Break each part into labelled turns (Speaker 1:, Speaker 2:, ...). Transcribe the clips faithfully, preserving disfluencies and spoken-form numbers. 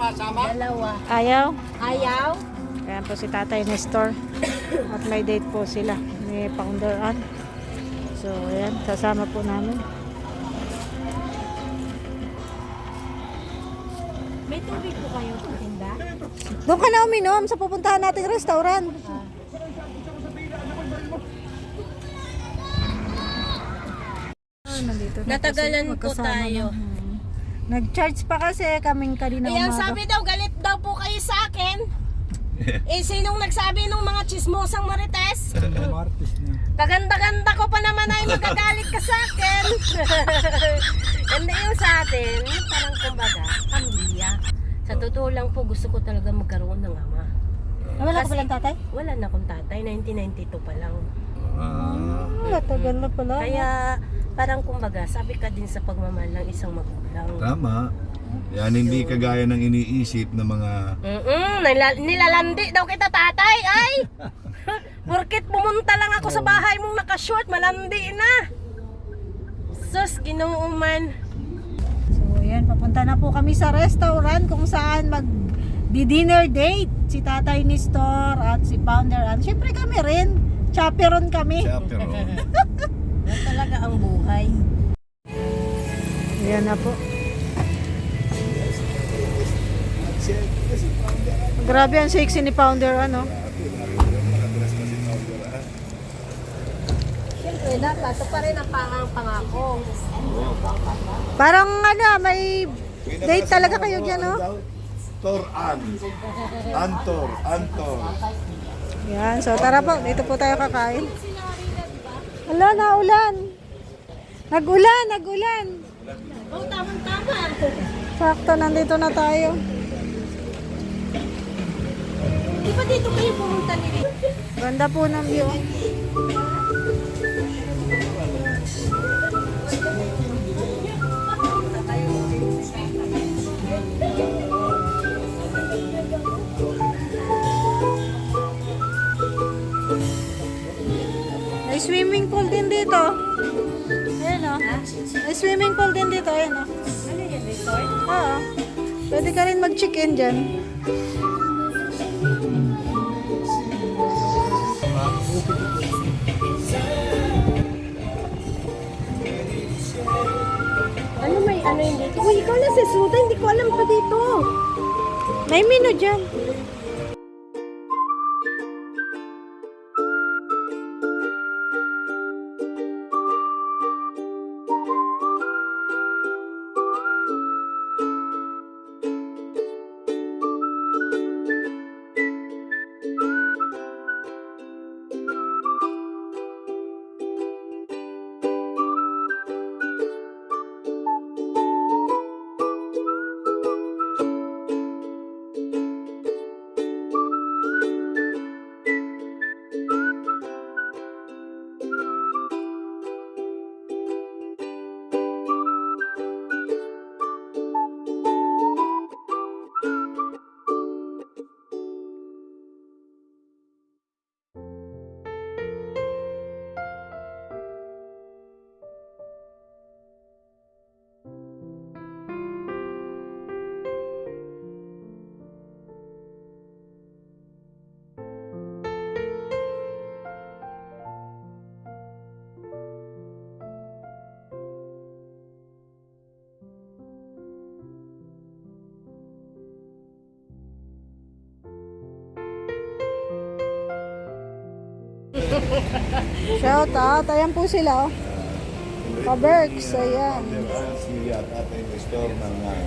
Speaker 1: Dalawa.
Speaker 2: Ayaw?
Speaker 1: Ayaw?
Speaker 2: Ayan po si Tatay Nestor. At may date po sila ni Founder Ann. So, ayan. Sasama po namin.
Speaker 1: May tubig po kayo sa tinda?
Speaker 2: Doon ka na uminom sa pupuntahan nating restaurant.
Speaker 1: Ah.
Speaker 2: Ah, nandito na po
Speaker 1: Natagalan
Speaker 2: sila,
Speaker 1: po
Speaker 2: magkasama
Speaker 1: tayo.
Speaker 2: na. Hmm. Nag-charge pa kasi kaming kanina
Speaker 1: Ayan,
Speaker 2: umaga.
Speaker 1: sabi daw, galit daw po kayo sa akin. Eh, sinong nagsabi nung mga chismosang marites? Kaganda-ganda ko pa naman ay magagalit ka sa akin. Ganda yung sa atin, parang kumbaga, pamilya. Sa totoo lang po, gusto ko talaga magkaroon ng ama.
Speaker 2: Ah, wala ka
Speaker 1: Kasi
Speaker 2: palang tatay?
Speaker 1: Wala na akong tatay, nineteen ninety-two pa lang.
Speaker 2: Ah, matagal na pala.
Speaker 1: Kaya parang kumbaga, sabi ka din sa pagmamahal ng isang magulang.
Speaker 3: Tama. Yan hindi kagaya ng iniisip ng mga
Speaker 1: Mm-mm, nila- nilalandi daw kita tatay, ay! Porkit pumunta lang ako sa bahay mong nakashort, malandi na. Sus, ginuuman.
Speaker 2: So, ayan, papunta na po kami sa restaurant kung saan mag dinner date si Tatay Nestor at si Founder Ann. Siyempre kami rin, chaperon kami.
Speaker 3: chaperone.
Speaker 1: Yan talaga ang buhay.
Speaker 2: Ayan na po. Grabe ang sexy ni Founder ano.
Speaker 1: Siyempre, dapat ito pa rin ang pangang pangako.
Speaker 2: Parang ano, may date talaga kayo dyan, no?
Speaker 3: Tor An. Antor, Antor.
Speaker 2: Yan, so tara po, dito po tayo kakain. Hala, naulan. Nag-ulan, nag-ulan.
Speaker 1: Oh, tamang-tama.
Speaker 2: Sakto, nandito na tayo.
Speaker 1: Di ba dito kayo pumunta nila?
Speaker 2: Ganda po ng view. May swimming pool din dito. Ayan o. May swimming pool din dito. Ayan o.
Speaker 1: Ano yan, resort?
Speaker 2: Oo. Pwede ka rin mag-check-in dyan.
Speaker 1: Ano may ano yun dito? Uy, ikaw na si Suda, hindi ko alam pa dito.
Speaker 2: May menu dyan. Shout out. Ayan po sila. Oh. Kaberks. Ayan.
Speaker 3: Si Tatay Nestor ng uh,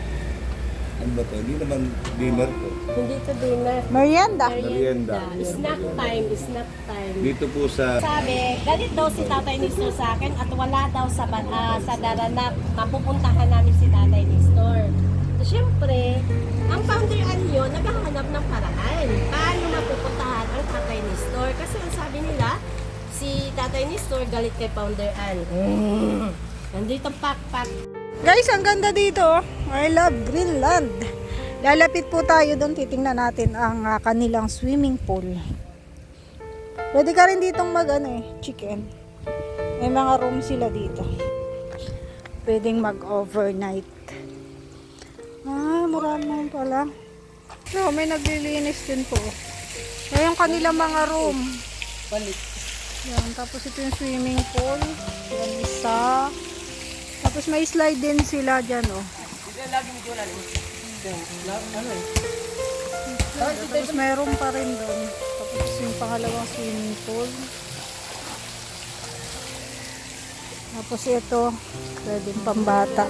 Speaker 3: ano ba to? Hindi naman dinner to.
Speaker 1: Hindi to dinner.
Speaker 2: Merienda.
Speaker 3: Merienda.
Speaker 1: Snack time, snack time.
Speaker 3: Dito po sa
Speaker 1: Sabi, galit daw si Tatay Nestor sa akin at wala daw sa, uh, sa daranap. Mapupuntahan namin si Tatay Nestor. So, syempre, ang Founder Ann yun, naghahanap ng paraan. Paano mapupuntahan ang Tatay Nestor? Kasi ang sabi nila, si Tatay Nestor galit kay Founder Ann. Mm. Nandito pak-pak.
Speaker 2: Guys, ang ganda dito. Oh. I love Greenland. Lalapit po tayo doon. Titingnan natin ang uh, kanilang swimming pool. Pwede ka rin ditong mag ano eh, chicken. May mga room sila dito. Pwedeng mag overnight. Ah, mura naman pala. So, may naglilinis din po. Ayan yung kanilang mga room.
Speaker 1: Balik.
Speaker 2: Yan, tapos ito yung swimming pool. Yan isa. Tapos may slide din sila dyan, oh.
Speaker 1: Ano eh?
Speaker 2: Tapos mayroon pa rin doon. Tapos yung pangalawang swimming pool. Tapos ito, pwedeng pambata.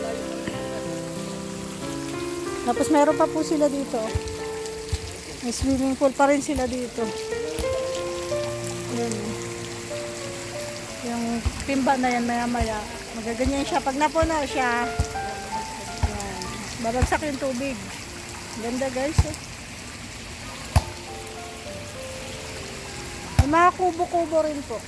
Speaker 2: Tapos meron pa po sila dito. May swimming pool pa rin sila dito. Yan. Yung timba na yan maya maya. Magaganyan siya. Pag napuno siya, yan. Babagsak yung tubig. Ganda guys. Eh. May mga kubo-kubo rin po.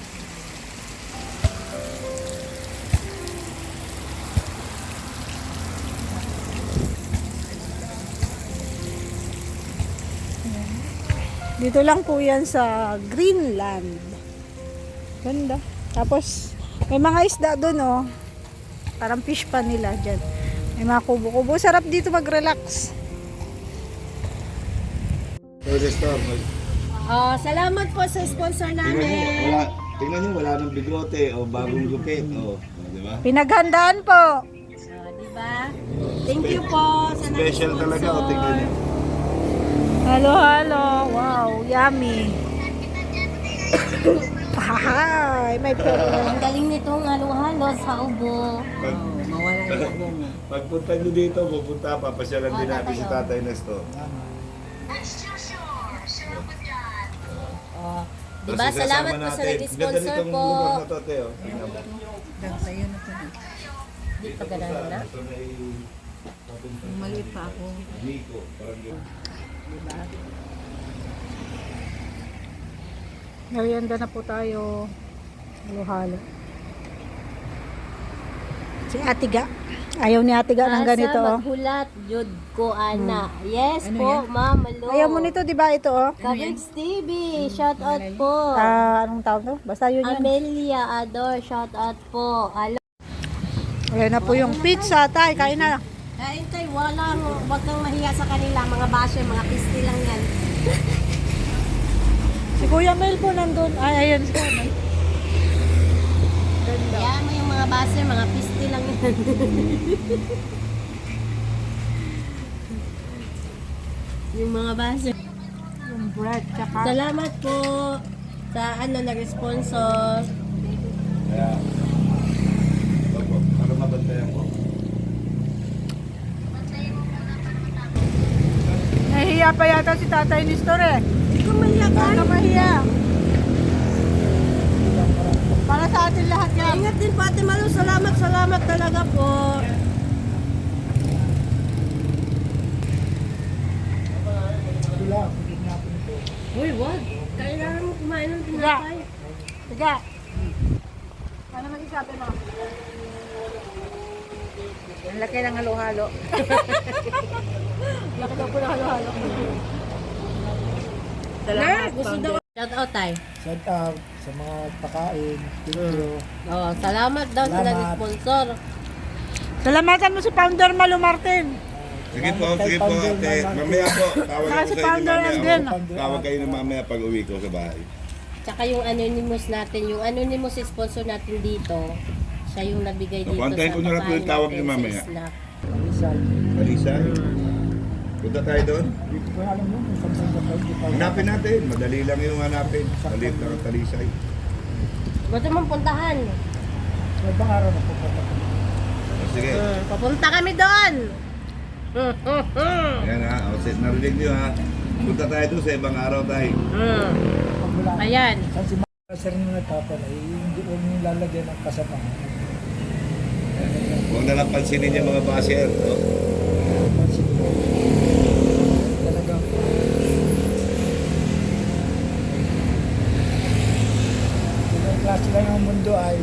Speaker 2: Dito lang po yan sa Greenland. Ganda. Tapos, may mga isda doon, oh. Parang fish pa nila dyan. May mga kubo-kubo. Sarap dito mag-relax.
Speaker 3: Tourist store.
Speaker 1: Oh, salamat po sa sponsor
Speaker 3: Tingnan nyo,
Speaker 1: namin.
Speaker 3: wala, tingnan nyo, wala nang bigote o bagong gupit. O, di ba?
Speaker 2: Pinaghandaan po.
Speaker 1: Oh, di ba? Thank you po sa
Speaker 3: Special talaga, o tingnan nyo.
Speaker 2: Halo, halo. Wow, yummy. Hahay, may pera.
Speaker 1: Ang galing nitong halo-halo sa ubo.
Speaker 3: Pag,
Speaker 1: Mawala yung ubo mo.
Speaker 3: pagpunta nyo dito, pupunta, papasyalan din
Speaker 1: Oh,
Speaker 3: natin
Speaker 1: tatay,
Speaker 3: si
Speaker 1: oh.
Speaker 3: Tatay Nestor.
Speaker 1: Oh, di
Speaker 3: Tapos
Speaker 1: ba?
Speaker 3: isasama
Speaker 1: Salamat po sa
Speaker 3: natin.
Speaker 1: nag-sponsor
Speaker 3: Ganda nitong
Speaker 1: po.
Speaker 3: lugar na to, te, oh. Tingnan mo.
Speaker 1: Di pa ganun na.
Speaker 3: Ito na yung-
Speaker 1: Maliit pa ako.
Speaker 3: Nico, parang yun.
Speaker 2: Merienda na po tayo. Halo-halo. Si Atiga. Ayaw ni Atiga ng ganito,
Speaker 1: Asa
Speaker 2: oh.
Speaker 1: maghulat, jud ko, ana. Yes po, Ma'am Lo.
Speaker 2: Ayaw mo nito, di ba ito, oh?
Speaker 1: Kabigs T V, shout out po.
Speaker 2: Ah, anong tawag to? Basta yun yun.
Speaker 1: Amelia Ador, shout out po. Alo.
Speaker 2: Ayan na po yung pizza, tay. Kain na.
Speaker 1: Kain tayo, walang, wag kang mahiya sa kanila, mga basher, mga pisti lang yan.
Speaker 2: Si Kuya Mel po nandun. Ay, ayan si Kuya Mel. Ganda.
Speaker 1: Kaya mo yung mga basher, mga pisti lang yan. yung mga basher.
Speaker 2: Yung bread, tsaka.
Speaker 1: Salamat po sa ano nag-sponsor.
Speaker 3: Kaya, opo, para mabantayan ko.
Speaker 2: Nahihiya pa yata si Tatay Nestor eh.
Speaker 1: Hindi ko mahiya ka.
Speaker 2: Baka mahiya. Para sa atin lahat yan.
Speaker 1: Ingat din po Ate Malu. Salamat, salamat talaga po. Uy, wag. Kailangan mo kumain ng tinapay.
Speaker 2: Tiga. Ano mag-isabi mo? Ang laki ng halo-halo. Laki daw po ng halo-halo.
Speaker 1: Salamat, gusto daw. Shout out tayo.
Speaker 4: Shout out sa mga pakain. Thank you.
Speaker 1: Oh, salamat daw sa
Speaker 4: Salamat.
Speaker 1: nag-sponsor.
Speaker 2: Salamatan mo si Founder Malu Martin.
Speaker 3: Sige po, sige po ate. Mamaya po, tawag
Speaker 2: Saka
Speaker 3: ako
Speaker 2: si
Speaker 3: sa inyo
Speaker 2: Founder
Speaker 3: mamaya.
Speaker 2: Andren.
Speaker 3: oh. Tawag kayo na mamaya pag uwi ko sa bahay.
Speaker 1: Tsaka yung anonymous natin, yung anonymous sponsor natin dito, siya yung nabigay dito
Speaker 3: Kontakin
Speaker 1: sa
Speaker 3: ko na lang po yung
Speaker 1: pagkain
Speaker 3: tawag
Speaker 1: natin
Speaker 3: niyo
Speaker 1: sa
Speaker 3: mamaya.
Speaker 1: Snap.
Speaker 4: Rizal.
Speaker 3: Kalisa. Punta tayo doon.
Speaker 4: Hindi ko alam yun kung saan saan ka tayo. Hindi pa alam.
Speaker 3: Hanapin natin. Madali lang yung hanapin. Maliit lang ang talisay.
Speaker 1: Gusto mong puntahan?
Speaker 4: Sa ibang araw na pupunta ko.
Speaker 3: O, sige.
Speaker 1: Hmm, papunta kami doon! Hmm, hmm, hmm.
Speaker 3: Ayan ha. O, set, narinig nyo ha. Punta tayo doon sa ibang araw tayo.
Speaker 1: Hmm.
Speaker 4: Pag wala.
Speaker 1: Ayan.
Speaker 4: Saan si mga sir nyo nagkapala, eh, hindi ko nyo lalagyan ng kasama.
Speaker 3: Huwag na lang pansinin yung mga basher. O.
Speaker 4: Pansin ko. Talagang ibang klase lang ang mundo ay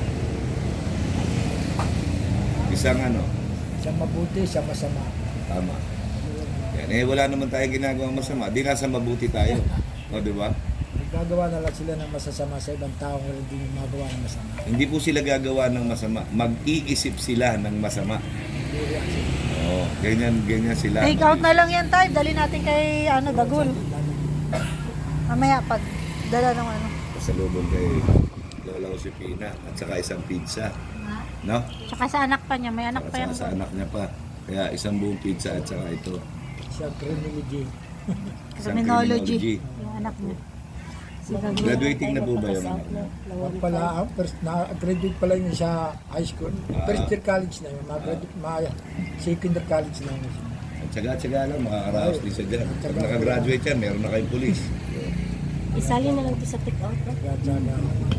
Speaker 3: Isang ano.
Speaker 4: sa mabuti, sa masama.
Speaker 3: Tama. Yan. Eh, wala naman tayo ginagawang masama. Di nasa mabuti tayo. O, di ba?
Speaker 4: Naggagawa na lang sila ng masasama sa ibang tao wala din yung magawa ng masama.
Speaker 3: Hindi po sila gagawa ng masama. Mag-iisip sila ng masama.
Speaker 4: Hindi reaction.
Speaker 3: Oo. Oo, ganyan, ganyan sila.
Speaker 2: Take out na lang yan tayo. Dali natin kay ano, Dagul. Mamaya pag dala ng ano.
Speaker 3: Pasalubong kay Lola Josefina at saka isang pizza. No?
Speaker 2: Tsaka sa anak pa niya. May anak pa yan.
Speaker 3: Sa, sa anak niya pa. Kaya isang buong pizza at saka ito.
Speaker 4: Sa criminology.
Speaker 3: Isang
Speaker 2: Criminology. Yung anak niya. Si Dagul.
Speaker 3: Graduating na po ba yung anak niya?
Speaker 4: Ang pala, ang first, na-graduate pala yun sa high school. First year college na yun. Ma-graduate, ma second year college na yun.
Speaker 3: At tsaga-tsaga lang, makakaraos din siya dyan. Pag nakagraduate yan, meron na kayong pulis.
Speaker 1: Isali na lang ito sa take out.
Speaker 4: Graduate na.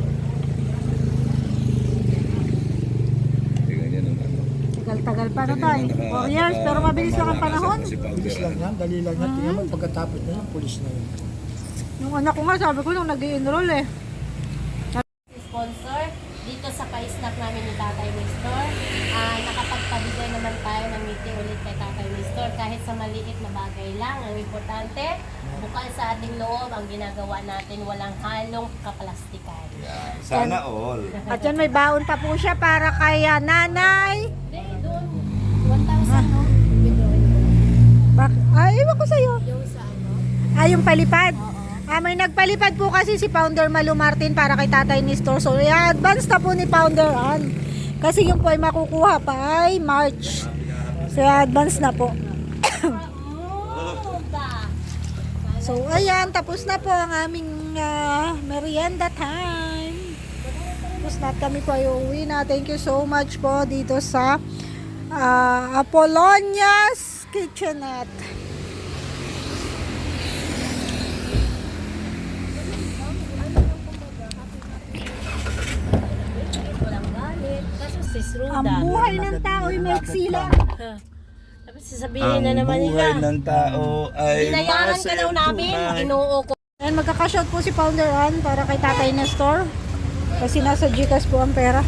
Speaker 3: Hindi ganyan ang ano.
Speaker 2: Tagal-tagal pa na tayo. four years, pero mabilis lang ang panahon.
Speaker 3: Kasi
Speaker 4: Pulis lang yan, dali lang yan. Tingnan mo, pagkatapos na yun, pulis na yun.
Speaker 2: Yung anak ko nga, sabi ko nung nag-i-enroll eh.
Speaker 1: Sponsor dito sa pa-snack namin ni Tatay Nestor. Ah, nakapagpabigay naman tayo ng ngiti ulit kay Tatay Nestor kahit sa maliit na bagay lang. Ang importante, bukal sa ating loob ang ginagawa natin, walang halong kaplastikan.
Speaker 3: Yan. Sana all.
Speaker 2: At yan may baon pa po siya para kay ah, nanay.
Speaker 1: Hindi, doon. one thousand, no?
Speaker 2: Bak Ay, iwan ko sa'yo.
Speaker 1: Yung sa ano?
Speaker 2: Ah, yung palipad.
Speaker 1: Oo.
Speaker 2: Ah, may nagpalipad po kasi si Founder Malu Martin para kay Tatay Nestor. So, i-advance na po ni Founder Ann. Kasi yung po ay makukuha pa ay March. So, i-advance na po.
Speaker 1: Muda.
Speaker 2: So, ayan. Tapos na po ang aming ah, merienda time. Tapos na at kami po ay uuwi na. Thank you so much po dito sa ah, Apollonia's Kitchenette.
Speaker 1: Walang galit. Kaso sis Ruda.
Speaker 2: Ang buhay ng tao ay may sila.
Speaker 1: Tapos sasabihin na naman nila.
Speaker 3: buhay ng tao ay
Speaker 1: Binayaran ka daw namin. Inuo ko.
Speaker 2: And magkakashot po si Founder Ann para kay Tatay Nestor. Kasi nasa Gcash po ang pera.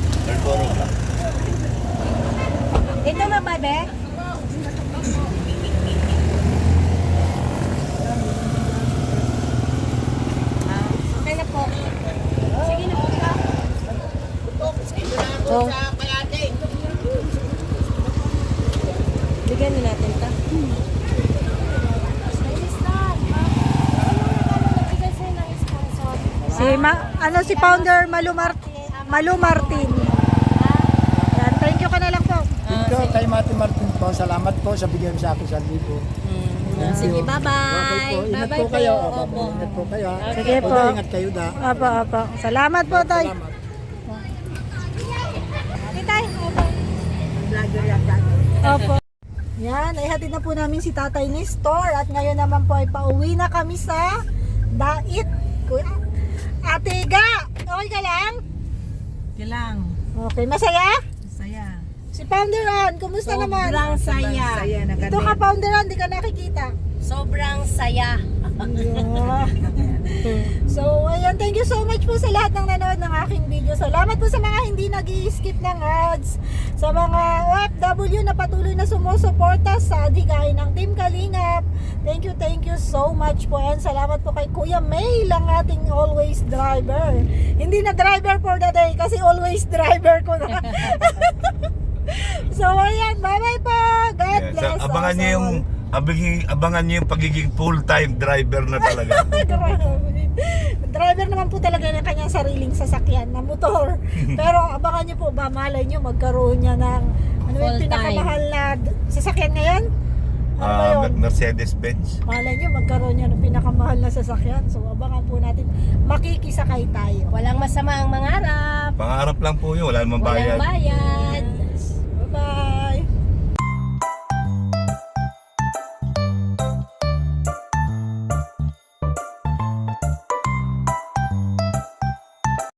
Speaker 1: Ito na ba, be? Ah, okay na po. Sige na po ka. Oh. Bigyan na natin ito.
Speaker 2: Si ma ano si Founder Malu Mar Malu Martin. Yan, thank you ka na lang po.
Speaker 4: Thank you kay Mati Martin po. Salamat po sa bigyan sa akin sa libo.
Speaker 1: Sige,
Speaker 4: Okay
Speaker 1: bye-bye.
Speaker 4: po. Ingat
Speaker 1: Bye-bye
Speaker 4: po kayo.
Speaker 1: po.
Speaker 4: Opo, ingat po kayo.
Speaker 2: Sige po.
Speaker 4: Opo, ingat kayo da.
Speaker 2: Apo, apo. Salamat po, Tay.
Speaker 4: Salamat.
Speaker 2: Okay, Tay. Opo. Opo. Yan, ay hatid na po namin si Tatay Nestor at ngayon naman po ay pauwi na kami sa Dait. Kuya, Ate Ga, okay ka lang?
Speaker 5: Kilang,
Speaker 2: Okay, masaya?
Speaker 5: saya.
Speaker 2: Si Founder Ann, kumusta naman?
Speaker 1: Sobrang saya.
Speaker 5: Saya na
Speaker 2: Ito ka, Founder Ann, di ka nakikita.
Speaker 1: Sobrang saya.
Speaker 2: Yeah. So, ayan, thank you so much po sa lahat ng nanood ng aking video. Salamat po sa mga hindi nag-i-skip ng ads, sa mga O F W na patuloy na sumusuporta sa adigain ng Team Kalingap. Thank you, thank you so much po. And salamat po kay Kuya May, ang ating always driver. Hindi na driver for the day, kasi always driver ko na. So, ayan, bye-bye po. God
Speaker 3: Yeah, so,
Speaker 2: bless
Speaker 3: abangan
Speaker 2: us
Speaker 3: niyo yung
Speaker 2: all.
Speaker 3: abiging, abangan niyo yung pagiging full-time driver na talaga.
Speaker 2: Grabe. Driver naman po talaga ng kanyang sariling sasakyan na motor. Pero abangan niyo po ba, malay niyo magkaroon niya ng ano yung
Speaker 1: Full
Speaker 2: pinakamahal na d- sasakyan ngayon? Ano ba
Speaker 3: Ah,
Speaker 2: yun?
Speaker 3: Mercedes-Benz.
Speaker 2: Malay niyo magkaroon niya ng pinakamahal na sasakyan. So abangan po natin, makikisakay tayo.
Speaker 1: Walang masama ang mangarap.
Speaker 3: Pangarap lang po yun, wala namang
Speaker 1: Walang
Speaker 3: bayad.
Speaker 1: bayad.